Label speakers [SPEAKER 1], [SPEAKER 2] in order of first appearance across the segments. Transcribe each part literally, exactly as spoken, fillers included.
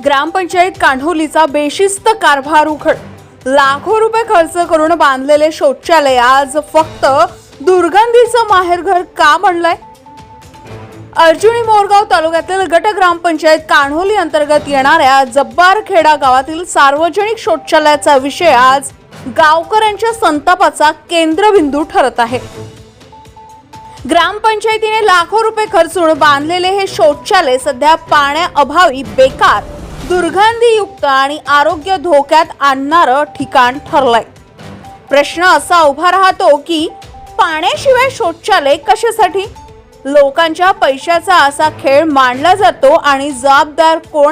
[SPEAKER 1] ग्रामपंचायत कान्होलीचा बेशिस्त कारभार उघड. लाखो रुपये खर्च करून बांधलेले शौचालय आज फक्त दुर्गंधीचं माहेरघर का बनलंय? अर्जुनी मोरगाव तालुक्यातील गट ग्रामपंचायत कान्होली अंतर्गत येणाऱ्या जब्बारखेडा गावातील सार्वजनिक शौचालयाचा विषय आज गावकऱ्यांच्या संतापाचा केंद्रबिंदू ठरत आहे. ग्रामपंचायतीने लाखो रुपये खर्चून बांधलेले हे शौचालय सध्या पाण्याअभावी बेकार, दुर्गंधीयुक्त आणि आरोग्य धोक्यात आणणारं ठिकाण ठरलंय. प्रश्न असा उभा राहतो की पाण्याशिवाय शौचालय कशासाठी? लोकांच्या पैशाचा असा खेळ मांडला जातो आणि जबाबदार कोण?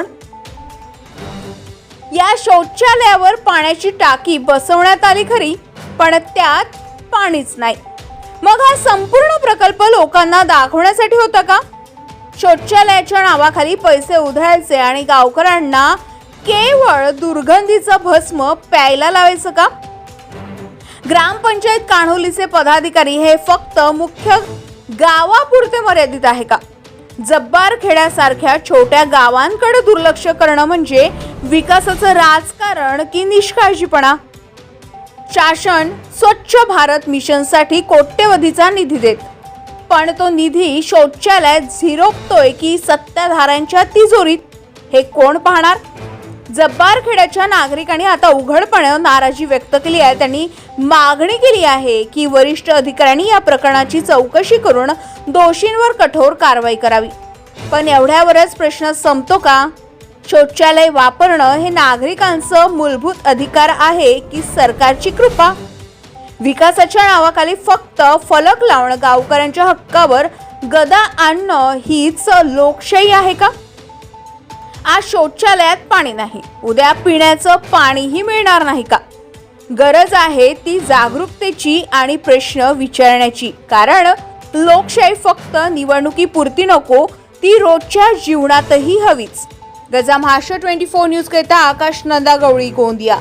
[SPEAKER 1] या शौचालयावर पाण्याची टाकी बसवण्यात आली खरी, पण त्यात पाणीच नाही. मग हा संपूर्ण प्रकल्प लोकांना दाखवण्यासाठी होता का? शौचालयाच्या नावाखाली पैसे उधळायचे आणि गावकऱ्यांना केवळ दुर्गंधीचं भस्म प्यायला लावायचं का? ग्रामपंचायत कान्होलीचे पदाधिकारी हे फक्त मुख्य गावापुरते मर्यादित आहे का? जब्बारखेड्यासारख्या छोट्या गावांकडे दुर्लक्ष करणं म्हणजे विकासाचं राजकारण की निष्काळजीपणा? शासन स्वच्छ भारत मिशनसाठी कोट्यवधीचा निधी देत, पण तो निधी शौचालयात झिरोपतोय की सत्ताधाऱ्यांच्या तिजोरीत, हे कोण पाहणार? जब्बारखेड्याच्या नागरिकांनी आता उघडपणे नाराजी व्यक्त केली आहे. त्यांनी मागणी केली आहे की वरिष्ठ अधिकाऱ्यांनी या प्रकरणाची चौकशी करून दोषींवर कठोर कारवाई करावी. पण एवढ्यावरच प्रश्न संपतो का? शौचालय वापरणं हे नागरिकांचं मूलभूत अधिकार आहे की सरकारची कृपा? विकासाच्या नावाखाली फक्त फलक लावणं, गावकऱ्यांच्या हक्कावर गदा आणणं हीच लोकशाही आहे का? आज शौचालयात पाणी नाही, उद्या पिण्याचं पाणीही मिळणार नाही का? गरज आहे ती जागरूकतेची आणि प्रश्न विचारण्याची. कारण लोकशाही फक्त निवडणुकीपुरती नको, ती रोजच्या जीवनातही हवीच. गजा महाराष्ट्र ट्वेंटी फोर न्यूज करता आकाश नंदा गवळी, गोंदिया.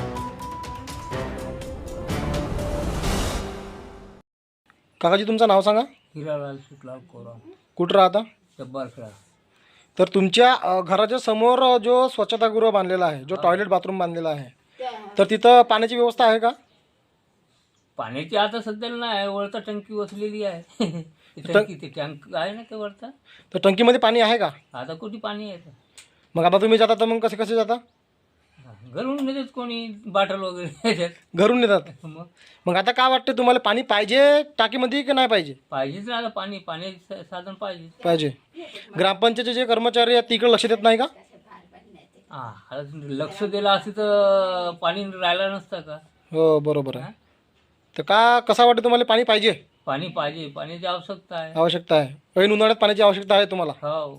[SPEAKER 2] काकाजी तुमचं नाव सांगा.
[SPEAKER 3] हिरालाल शुक्ला कोरा,
[SPEAKER 2] कुठं राहता?
[SPEAKER 3] जब्बारखेडा.
[SPEAKER 2] तर तुमच्या अ, घराच्या समोर जो स्वच्छतागृह बांधलेला आहे, जो टॉयलेट बाथरूम बांधलेला आहे, तर तिथं पाण्याची व्यवस्था आहे का?
[SPEAKER 3] पाण्याची आता सध्याला नाही, वरता टंकी वसलेली आहे. ती टंकी ते टँक आहे ना ते वरता,
[SPEAKER 2] तर टंकीमध्ये पाणी आहे का?
[SPEAKER 3] आता कुठे पाणी आहे?
[SPEAKER 2] मग आता तुम्ही जाता तर मग कसे कसे जाता?
[SPEAKER 3] घरून नेतात कोणी बाटल वगैरे.
[SPEAKER 2] घरून नेतात.
[SPEAKER 3] मग
[SPEAKER 2] मग आता काय वाटतं तुम्हाला, पाणी पाहिजे टाकीमध्ये की नाही पाहिजे?
[SPEAKER 3] पाहिजेच ना आता पाणी, पाण्याचं साधन पाहिजे.
[SPEAKER 2] पाहिजे. ग्रामपंचायतचे जे कर्मचारी आहेत तिकडे लक्ष देत नाही का?
[SPEAKER 3] हा, आता लक्ष दिलं असं तर पाणी राहिलं नसतं का?
[SPEAKER 2] हो बरोबर आहे. तर का कसा वाटतं तुम्हाला, पाणी पाहिजे?
[SPEAKER 3] पाणी पाहिजे, पाण्याची आवश्यकता आहे.
[SPEAKER 2] आवश्यकता आहे. ऐन उन्हाळ्यात पाण्याची आवश्यकता आहे तुम्हाला?
[SPEAKER 3] हो.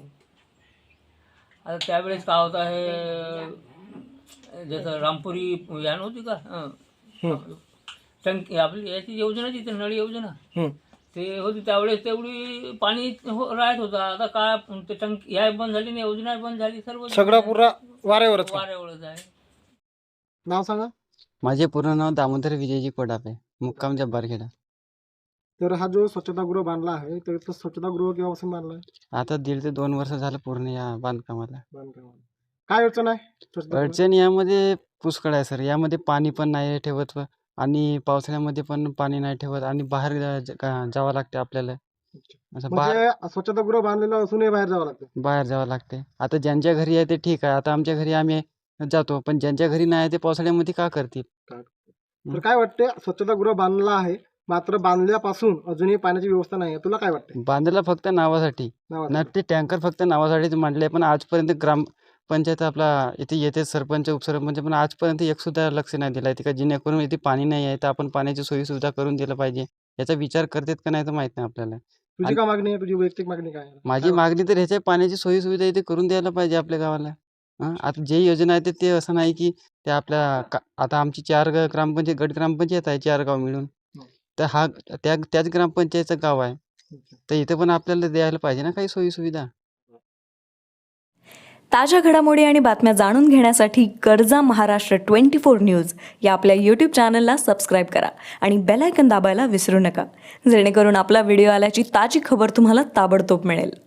[SPEAKER 3] आता त्यावेळेस काय होतं आहे, जसं रामपुरी या नव्हती का, हं. टंकी आपली याची योजना जी नळ योजना
[SPEAKER 2] हं.
[SPEAKER 3] ते होती, त्यावेळेस तेवढी पाणी हो राहत होता. आता काय ते टंकी या बंद झाली, नाही योजना बंद झाली, सर्व
[SPEAKER 2] सगळं पुरा वाऱ्यावरच का?
[SPEAKER 3] वाऱ्यावरच आहे.
[SPEAKER 2] नाव सांगा.
[SPEAKER 4] माझे पूर्ण नाव दामोदर विजयजी कोडापे, मुक्काम जब्बारखेडा.
[SPEAKER 2] तर हा जो स्वच्छतागृह बांधला आहे, तर इथं स्वच्छतागृह केव्हापासून बांधला आहे?
[SPEAKER 4] आता दीड ते दोन वर्ष झालं पूर्ण या बांधकामाला.
[SPEAKER 2] बांधकामाला काय अडचण आहे? स्वच्छतागृहात?
[SPEAKER 4] अडचण यामध्ये पुष्कळ आहे सर. यामध्ये पाणी पण नाही ठेवत व- आणि पावसाळ्यामध्ये पण पाणी नाही ठेवत आणि बाहेर जा- जा- जावं लागते आपल्याला. असं बाहेर
[SPEAKER 2] म्हणजे स्वच्छतागृह बांधलेलं असूनही बाहेर जावं लागतं.
[SPEAKER 4] बाहेर जावं लागते. आता ज्यांच्या घरी आहे ते ठीक आहे, आता आमच्या घरी आम्ही जातो, पण ज्यांच्या घरी नाही ते पावसाळ्यामध्ये का करतील?
[SPEAKER 2] तर काय वाटते, स्वच्छतागृह बांधला आहे मात्र बांधल्यापासून अजूनही पाण्याची व्यवस्था नाही आहे, तुला काय वाटते?
[SPEAKER 4] बांधला फक्त नावासाठी
[SPEAKER 2] नावासाठी.
[SPEAKER 4] ना, ते टँकर फक्त नावासाठीच मांडले, पण आजपर्यंत ग्रामपंचायत आपला इथे येते, सरपंच उपसरपंच, पण आजपर्यंत एक सुद्धा लक्ष नाही दिलं आहे का, जेणेकरून इथे पाणी नाही आहे तर आपण पाण्याची सोयी सुविधा करून दिलं पाहिजे. याचा विचार करतात का नाही तर माहित नाही आपल्याला.
[SPEAKER 2] तुझी काय मागणी आहे? तुझी वैयक्तिक मागणी काय आहे?
[SPEAKER 4] माझी मागणी तर ह्याच्या पाण्याची सोयी सुविधा इथे करून द्यायला पाहिजे आपल्या गावाला. हां, आता जे योजना आहे ते ते असं नाही की ते आपल्या का आता आमची चार ग ग्रामपंचायत गट ग्रामपंचायत आहे, चार गाव मिळून. तर हा त्या त्याच ग्रामपंचायतचं गाव आहे, तर इथे पण आपल्याला द्यायला पाहिजे ना काही सोयी सुविधा.
[SPEAKER 5] ताज्या घडामोडी आणि बातम्या जाणून घेण्यासाठी गरजा महाराष्ट्र ट्वेंटी फोर न्यूज या आपल्या यूट्यूब चॅनलला सबस्क्राईब करा आणि बेल आयकन दाबायला विसरू नका, जेणेकरून आपला व्हिडिओ आल्याची ताजी खबर तुम्हाला ताबडतोब मिळेल.